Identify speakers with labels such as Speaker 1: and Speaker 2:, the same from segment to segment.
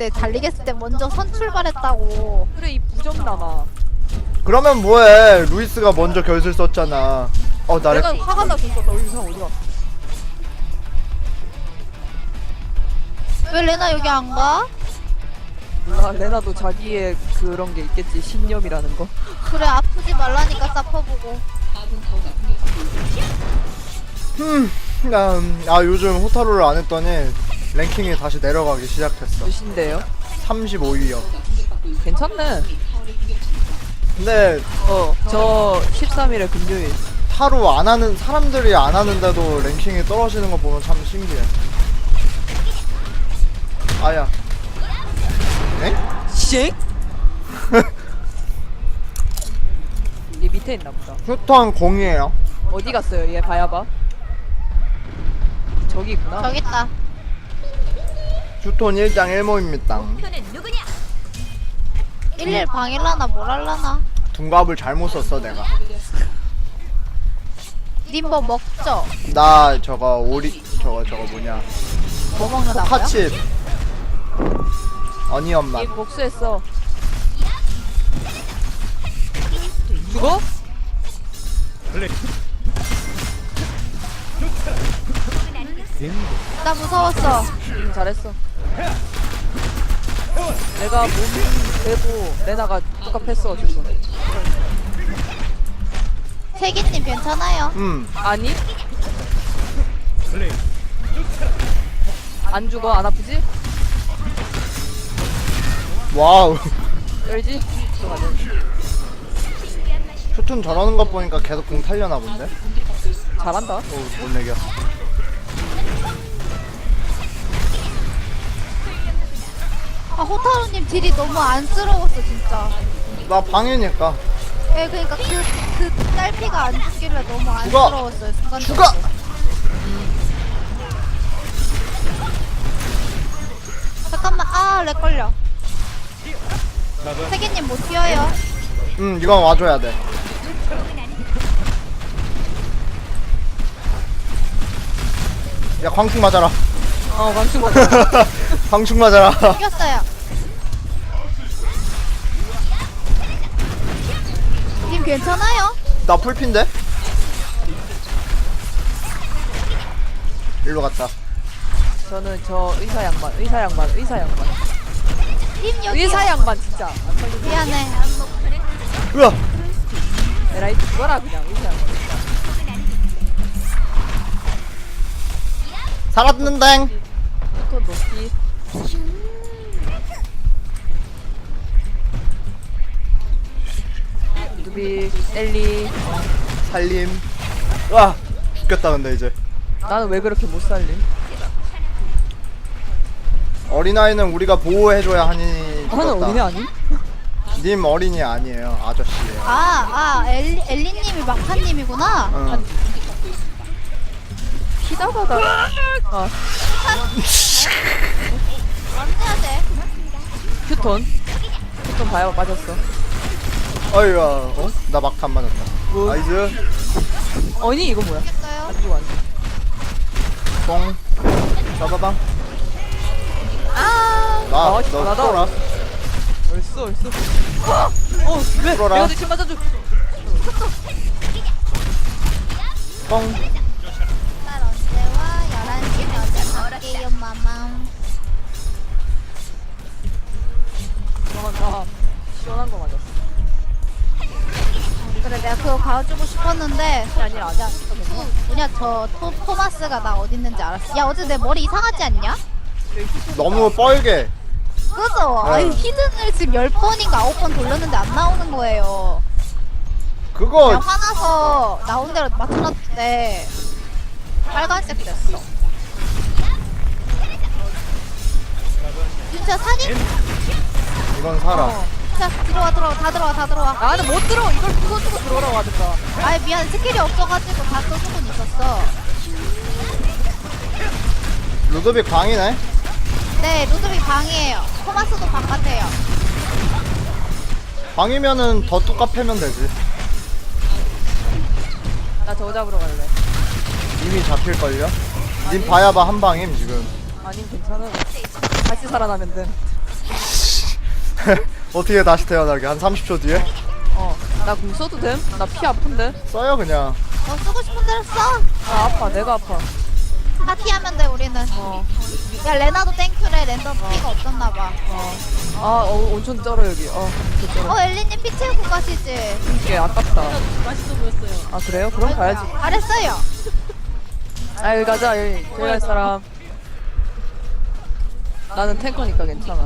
Speaker 1: 때 달리겠을 때 먼저 선 출발했다고.
Speaker 2: 그래 이 부정남아.
Speaker 3: 그러면 뭐해? 루이스가 먼저 결슬 썼잖아. 나
Speaker 2: 내가 화가 났었어. 너 이상 어디가?
Speaker 1: 왜 레나 여기 안 가?
Speaker 2: 몰라. 레나도 자기의 그런 게 있겠지. 신념이라는 거.
Speaker 1: 그래 아프지 말라니까 사퍼보고.
Speaker 3: 요즘 호타루를 안 했더니 랭킹이 다시 내려가기 시작했어.
Speaker 2: 몇인데요?
Speaker 3: 35위요.
Speaker 2: 괜찮네.
Speaker 3: 근데
Speaker 2: 저 13일에 금요일.
Speaker 3: 타루 안 하는 사람들이 안 하는데도 랭킹이 떨어지는 거 보면 참 신기해. 아야. 엥?
Speaker 2: 씩? 얘 밑에 있나 보다.
Speaker 3: 휴턴 0이에요.
Speaker 2: 어디 갔어요? 얘 봐야봐. 저기 있구나.
Speaker 1: 저기 있다.
Speaker 3: 휴턴 1장 1모입니다.
Speaker 1: 11 방일라나 뭘 할라나.
Speaker 3: 둔갑을 잘못 썼어 내가.
Speaker 1: 님 뭐 먹죠?
Speaker 3: 나 저거 뭐냐
Speaker 1: 뭐 먹는다고요?
Speaker 3: 포카칩 어니언 맛.
Speaker 2: 얘 복수했어. 죽어?
Speaker 1: 나 무서웠어.
Speaker 2: 잘했어. 내가 몸 내고 레나가 똑같았어 지금.
Speaker 1: 세기님 괜찮아요?
Speaker 2: 아니? 안 죽어? 안 아프지?
Speaker 3: 와우.
Speaker 2: 열지? 들어가자.
Speaker 3: 휴턴 저러는 거 보니까 계속 공 탈려나 본데.
Speaker 2: 잘한다.
Speaker 3: 못 내겨.
Speaker 1: 아 호타루님 딜이 너무 안쓰러웠어 진짜.
Speaker 3: 나 방해니까.
Speaker 1: 예 그니까 그 딸피가 안 죽길래 너무 안쓰러웠어요 순간적으로.
Speaker 3: 죽어.
Speaker 1: 잠깐만 렉 걸려. 세기님 못 뛰어요.
Speaker 3: 이건 와줘야 돼. 야 광충 맞아라.
Speaker 2: 광충 맞아.
Speaker 3: 광충 맞아라.
Speaker 1: 이겼어요. 님 괜찮아요?
Speaker 3: 나 풀핀데? 일로 갔다.
Speaker 2: 저는 저 의사 양반.
Speaker 1: 님 여기.
Speaker 2: 의사 양반 진짜. 안 살리고.
Speaker 1: 미안해.
Speaker 3: 으아.
Speaker 2: 에라이 죽어라 그냥 의사 양반.
Speaker 3: 살았는댕.
Speaker 2: 또 높이. 누비, 엘리.
Speaker 3: 살림. 으아. 죽겠다 근데 이제.
Speaker 2: 나는 왜 그렇게 못 살림?
Speaker 3: 어린아이는 우리가 보호해줘야 하니
Speaker 2: 하는
Speaker 3: 죽었다.
Speaker 2: 어린애 아니?
Speaker 3: 님 어린이 아니에요. 아저씨예요.
Speaker 1: 엘리님이 막판님이구나.
Speaker 3: 응.
Speaker 2: 피다가다.
Speaker 1: 안돼야 돼.
Speaker 2: 휴톤 봐야 맞았어.
Speaker 3: 어이야. 나 막탄 맞았다.
Speaker 2: 뭐?
Speaker 3: 나이스.
Speaker 2: 아니 이거 뭐야?
Speaker 1: 됐어요.
Speaker 2: 안 죽어 안 죽어.
Speaker 3: 뽕. 잡아봐.
Speaker 2: 나다.
Speaker 3: 너 쏘라.
Speaker 2: 얼쑤. 왜?
Speaker 3: 풀어라.
Speaker 2: 내가 지금 맞아줘.
Speaker 3: 뽕.
Speaker 1: 날 언제 와? 11시 어제 갈게요 마마.
Speaker 2: 나 시원한 거 맞았어.
Speaker 1: 그래 내가 그거 가져주고 싶었는데
Speaker 2: 아니야.
Speaker 1: 뭐냐 저 토마스가 나 어디 있는지 알았어. 야 어제 내 머리 이상하지 않냐?
Speaker 3: 너무 뻘게.
Speaker 1: 그죠?
Speaker 3: 네.
Speaker 1: 아니 히든을 지금 10번인가 9번 돌렸는데 안 나오는 거예요.
Speaker 3: 그거
Speaker 1: 그냥 화나서 나온 대로 맞춰놨는데 빨간색 됐어. 진짜 사진?
Speaker 3: 이건 살아.
Speaker 1: 자 들어와 다 들어와.
Speaker 2: 나는 못 들어. 이걸 부숴주고 들어오라고 하든가.
Speaker 1: 아이 미안 스킬이 없어가지고 다 써주고는 있었어.
Speaker 3: 루드빅 광이네.
Speaker 1: 네 루드빅 방이에요. 토마스도 방 같아요.
Speaker 3: 광이면은 더 뚜까 패면 되지.
Speaker 2: 나 저거 잡으러 갈래.
Speaker 3: 이미 잡힐걸요? 님 봐야봐 한 방임 지금.
Speaker 2: 아님 괜찮아. 다시 살아나면 돼.
Speaker 3: 어떻게 다시 태어나게? 한 30초 뒤에?
Speaker 2: 나 궁 써도 됨? 나 피 아픈데?
Speaker 3: 써요 그냥.
Speaker 1: 너 쓰고 싶은 대로 써.
Speaker 2: 아 아파 내가 아파.
Speaker 1: 파티하면 돼 우리는. 야 레나도 땡큐래. 랜덤 피가 없었나봐.
Speaker 2: 엄청 쩔어 여기. 진짜
Speaker 1: 엘리님 피 채우고 가시지.
Speaker 2: 이게 아깝다.
Speaker 4: 맛있어 보였어요.
Speaker 2: 아 그래요? 그럼 가야지.
Speaker 1: 잘했어요.
Speaker 2: 아 여기 가자. 여기 제일 할 사람. 나는 탱커니까 괜찮아.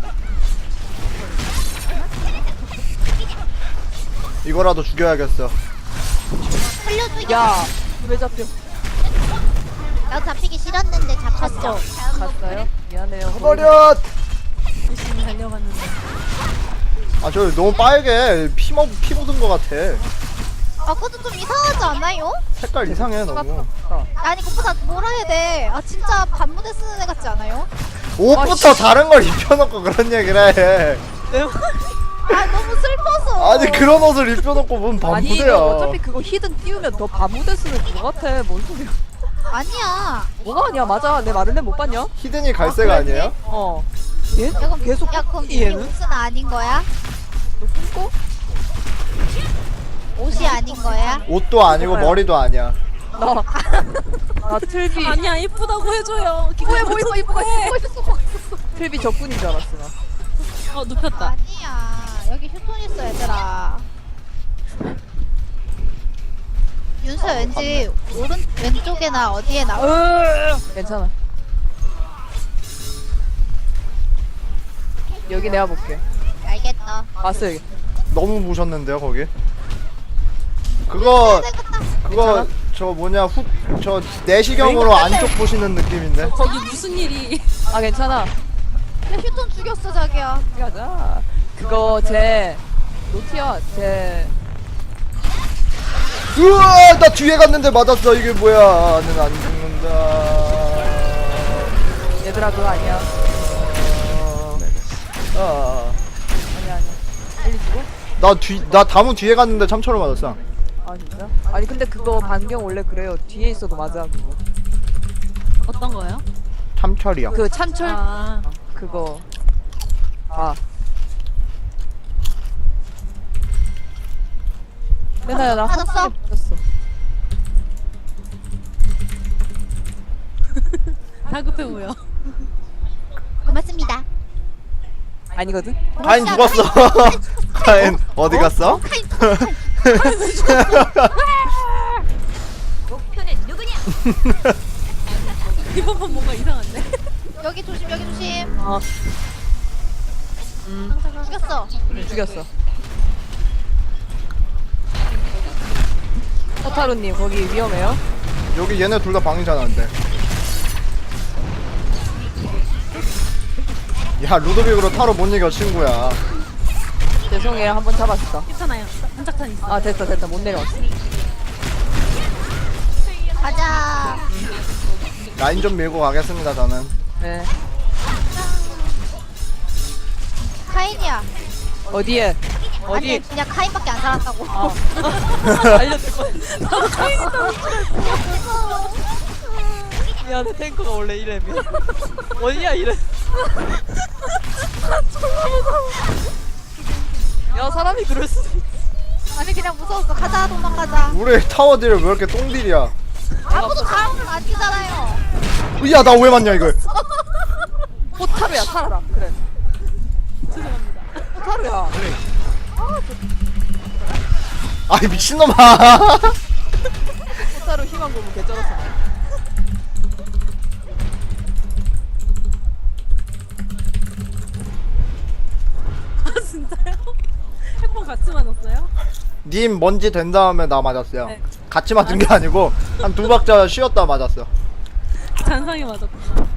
Speaker 3: 이거라도 죽여야겠어.
Speaker 1: 살려줘.
Speaker 2: 야, 왜 잡혀?
Speaker 1: 나 잡히기 싫었는데 잡혔어.
Speaker 2: 갔어요? 미안해요.
Speaker 3: 버려.
Speaker 4: 열심히 달려갔는데.
Speaker 3: 아 저 너무 빨개. 피 묻은 거 같아.
Speaker 1: 아 그것도 좀 이상하지 않아요?
Speaker 3: 색깔 이상해 너무.
Speaker 1: 아니 그것보다 뭐라 해야 돼. 아 진짜 반무대 쓰는 애 같지 않아요?
Speaker 3: 옷부터 다른 걸 입혀놓고 그런 얘기를 해.
Speaker 1: 아 너무 슬퍼서.
Speaker 3: 아니 그런 옷을 입혀놓고 뭔
Speaker 2: 아니
Speaker 3: 반부대야.
Speaker 2: 이거 어차피 그거 히든 띄우면 더 바무대 쓰는 그거 같아. 뭔 소리야?
Speaker 1: 아니야.
Speaker 2: 뭐가 아니야? 맞아. 내 마른데 못 봤냐?
Speaker 3: 히든이 갈색 아니에요?
Speaker 2: 얘
Speaker 1: 야 그럼
Speaker 2: 계속
Speaker 1: 야 그럼 이
Speaker 2: 얘는?
Speaker 1: 옷은 아닌 거야?
Speaker 2: 너 꿈꿔?
Speaker 1: 옷이 아닌 거야?
Speaker 3: 옷도 아니고 머리도 아니야.
Speaker 2: 나 틀비
Speaker 4: 아니야 이쁘다고 해줘요.
Speaker 2: 이뻐 틀비 적군인 줄 알았어 나.
Speaker 4: 눕혔다.
Speaker 1: 아니야. 여기 휴톤 있어 얘들아. 윤서 왠지 왼쪽에나 어디에 나와.
Speaker 2: 괜찮아. 여기 내가 볼게.
Speaker 1: 알겠다.
Speaker 2: 봤어 여기.
Speaker 3: 너무 부셨는데요 거기? 그거
Speaker 2: 괜찮아?
Speaker 3: 저 뭐냐 저 내시경으로 안쪽 보시는 느낌인데.
Speaker 4: 거기 무슨 일이?
Speaker 2: 아 괜찮아.
Speaker 1: 야 휴톤 죽였어 자기야.
Speaker 2: 여기 가자. 그거 제 노티야 제
Speaker 3: 으아 나 뒤에 갔는데 맞았어. 이게 뭐야? 나는 안 죽는다.
Speaker 2: 얘들아 그거 아니야. 아니야. 빨리 죽어?
Speaker 3: 나 다무 뒤에 갔는데 참초로 맞았어.
Speaker 2: 아 진짜? 아니 근데 그거 반경 원래 그래요. 뒤에 있어도 맞아 그거.
Speaker 4: 어떤 거요?
Speaker 3: 참철이야.
Speaker 2: 그 참철
Speaker 4: 아
Speaker 2: 그거. 아. 내나야 나
Speaker 1: 맞았어?
Speaker 2: 한 번에 맞았어.
Speaker 4: 다급해 보여.
Speaker 1: 고맙습니다.
Speaker 2: 아니거든?
Speaker 3: 가인 죽었어. 가인 어디 갔어?
Speaker 4: 이번 판 뭔가 이상한데?
Speaker 1: 여기 조심 여기 조심. 죽였어.
Speaker 2: 죽였어. 호타루님 거기 위험해요?
Speaker 3: 여기 얘네 둘 다 방이잖아 근데. 야 루도빅으로 타로 못 이겨 친구야.
Speaker 2: 죄송해요 한 번 잡았어.
Speaker 4: 괜찮아요. 한짝탄 있어.
Speaker 2: 아 됐다 못 내려왔어.
Speaker 1: 가자.
Speaker 3: 라인 좀 밀고 가겠습니다 저는.
Speaker 2: 네.
Speaker 1: 카인이야.
Speaker 2: 어디에?
Speaker 1: 아니
Speaker 2: 어디?
Speaker 1: 그냥 카인밖에 안 살았다고.
Speaker 2: 알려줄 거야. 미안해 탱커가 원래 이래미. 어디야 이래. 야 사람이 그럴 수 있어.
Speaker 1: 아니 그냥 무서웠어. 가자 도망가자.
Speaker 3: 우리 타워 딜 왜 이렇게 똥딜이야?
Speaker 1: 아무도 다음은 안 뛰잖아요.
Speaker 3: 야 나 왜 맞냐 이걸?
Speaker 2: 호타루야 살아라. 그래.
Speaker 4: 죄송합니다.
Speaker 2: 호타루야.
Speaker 3: 아이 미친놈아.
Speaker 2: 호타루 희망 고문 개쩔었어.
Speaker 4: 아 진짜요? 핵bom 같이 맞았어요?
Speaker 3: 님 먼지 된 다음에 나 맞았어요.
Speaker 4: 네.
Speaker 3: 같이 맞은 게 아니고 한 두 박자 쉬었다 맞았어.
Speaker 4: 잔상에 맞았구나.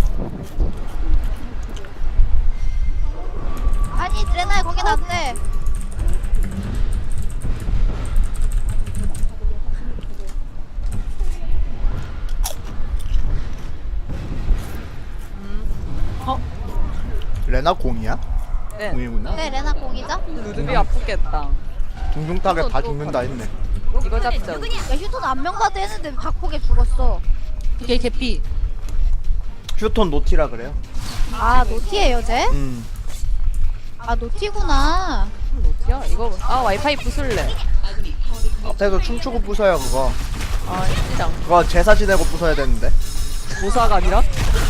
Speaker 1: 아니 레나야 거기 놨네.
Speaker 3: 레나 공이야?
Speaker 2: 네.
Speaker 3: 공이구나.
Speaker 1: 네 레나 공이죠?
Speaker 2: 루드비 아프겠다.
Speaker 3: 둥둥 타게 다 죽는다 했네.
Speaker 2: 이거 잡자.
Speaker 1: 야 휴톤 안면가도 했는데 박폭에 죽었어.
Speaker 4: 이게 개피.
Speaker 3: 휴톤 노티라 그래요.
Speaker 1: 아 노티에요 쟤? 아 노티구나.
Speaker 2: 어디야? 이거 와이파이 부술래.
Speaker 3: 앞에서 춤추고 부숴요 그거.
Speaker 2: 아 시장.
Speaker 3: 그거 제사 지내고 부숴야 되는데.
Speaker 2: 모사가 아니라?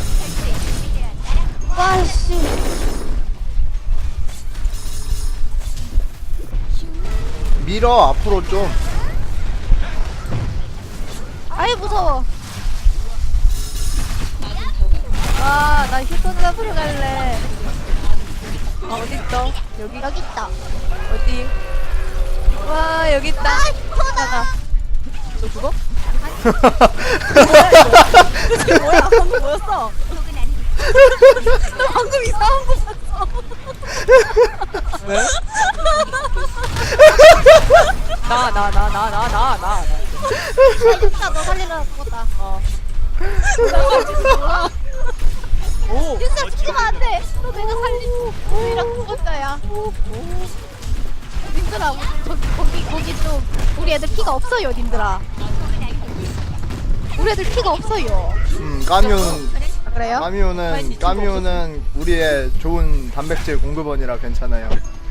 Speaker 1: 와씨.
Speaker 3: 밀어 앞으로 좀.
Speaker 1: 아이 무서워.
Speaker 2: 아나 휴톤 잡으러 갈래. 아 어딨어? 여기
Speaker 1: 여기 있다.
Speaker 2: 어디? 와 여기 있다.
Speaker 1: 하나.
Speaker 2: 너 죽어? 이게 뭐야? 방금 뭐였어? 너 방금 이상한 거 봤어. 왜? 나.
Speaker 1: 살렸다. 너 살리려고 죽었다.
Speaker 2: 오.
Speaker 1: 진짜 죽으면 안 돼. 너 내가 살리고 우리랑 죽었다 야. 님들아 거기 좀 우리 애들 피가 없어요 님들아. 우리 애들 피가 없어요.
Speaker 3: 까뮤는
Speaker 1: 그래요?
Speaker 3: 까뮤는 우리의 좋은 단백질 공급원이라 괜찮아요.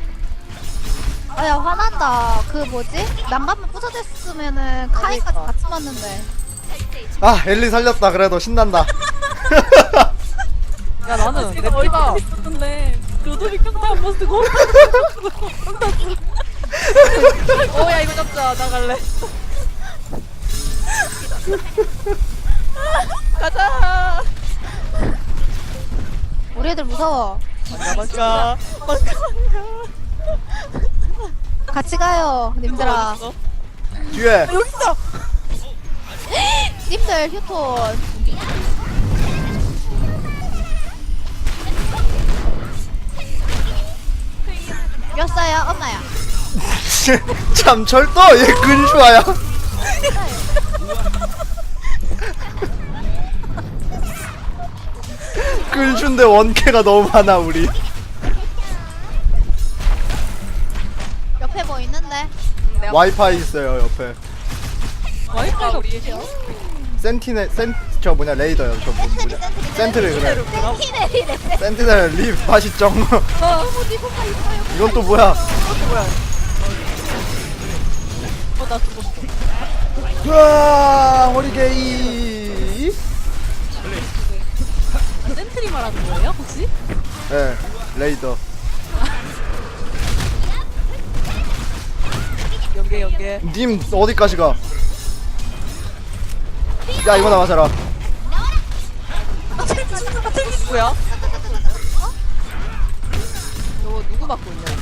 Speaker 1: 아야 화난다. 그 뭐지? 난감만 부서졌으면은 카이까지
Speaker 2: 그러니까.
Speaker 1: 같이 맞는데.
Speaker 3: 아 엘리 살렸다. 그래도 신난다.
Speaker 2: 야 나는 내
Speaker 4: 제가
Speaker 2: 피가
Speaker 4: 얼굴 있었는데 로드빅 평타 한 번 쓰고
Speaker 2: 오야 이거 잡자 나갈래. 가자.
Speaker 1: 우리 애들 무서워.
Speaker 2: 나가자.
Speaker 1: 같이 가요 님들아.
Speaker 3: 뒤에
Speaker 2: 여기 있어.
Speaker 1: 님들 휴톤. 몇 살야? 엄마야.
Speaker 3: 참 철도 얘 근슈아야. 근슈인데 원캐가 너무 많아 우리.
Speaker 1: 옆에 뭐 있는데?
Speaker 3: 와이파이 있어요 옆에.
Speaker 2: 와이파이가 우리
Speaker 3: 저 뭐냐 레이더요. 저 뭐냐 센트리 그래.
Speaker 1: 센티넬이래.
Speaker 3: 센티넬 립 맛있죠.
Speaker 1: 어디가 있어요?
Speaker 3: 이건 또 뭐야?
Speaker 2: 뭐야? 나 죽었어.
Speaker 3: 우와 호리게이.
Speaker 4: 센트리 말하는 거예요 혹시?
Speaker 3: 네 레이더.
Speaker 2: 연계.
Speaker 3: 님 어디까지 가? 야 이거나 맞아라.
Speaker 2: 누구야? 너 누구 맡고 있냐?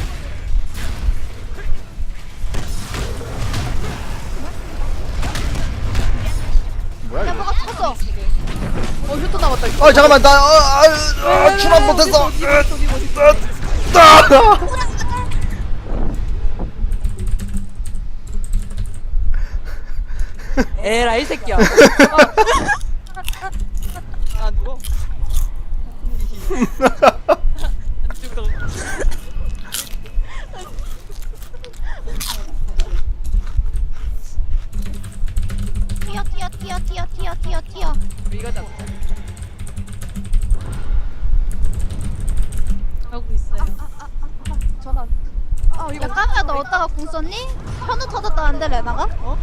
Speaker 3: 뭐야
Speaker 1: 야
Speaker 3: 이거?
Speaker 1: 뭐가 죽었어.
Speaker 2: 휴톤 남았다.
Speaker 3: 아 잠깐만 나 출연 못했어.
Speaker 2: 에라이 새끼야. 아 누워. 안 죽어.
Speaker 1: 튀어.
Speaker 2: 우리가 잡자.
Speaker 4: 하고 있어요.
Speaker 2: 전화.
Speaker 1: 야 까미야 너 어디다가 궁 썼니? 현우 터졌다는데 레나가?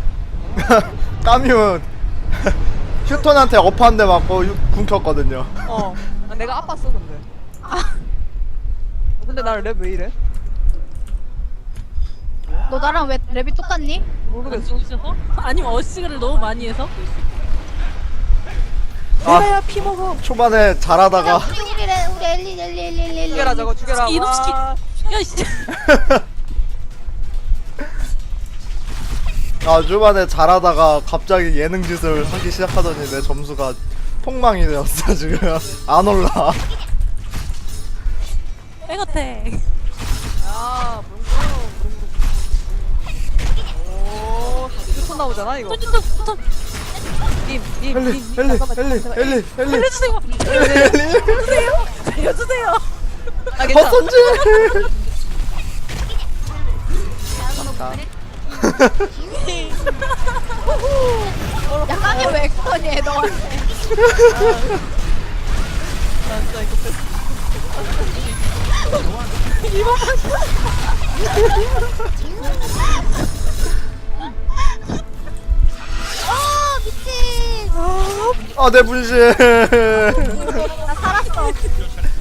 Speaker 3: 까뮤 휴톤한테 업 한 대 맞고 궁 켰거든요.
Speaker 2: 내가 아팠어 근데. 근데 나를 랩 왜 이래?
Speaker 1: 너 나랑 왜 랩이 똑같니?
Speaker 4: 안
Speaker 2: 모르겠어.
Speaker 4: 죽으셔서? 아니면 어시그를 너무 많이 해서?
Speaker 2: 내가야 피 먹어.
Speaker 3: 초반에
Speaker 1: 야
Speaker 3: 잘하다가
Speaker 1: 우리 엘리
Speaker 2: 죽여라 저거 죽여라.
Speaker 4: 이놈시키.
Speaker 2: 와.
Speaker 4: 야 씨.
Speaker 3: 초반에 잘하다가 갑자기 예능 짓을 하기 시작하더니 내 점수가 폭망이 되었어 지금. 안 올라.
Speaker 4: 백어택.
Speaker 2: 야 오 휴톤 나오잖아 이거.
Speaker 3: 엘리
Speaker 2: 잠깐만.
Speaker 4: 알려주세요. 알려주세요.
Speaker 2: 아 괜찮아.
Speaker 3: 헛손질.
Speaker 1: 야 까미 왜 그러니 너한테.
Speaker 2: 나 진짜 이거
Speaker 1: 미친.
Speaker 3: 아 내 분신.
Speaker 1: 나 살았어.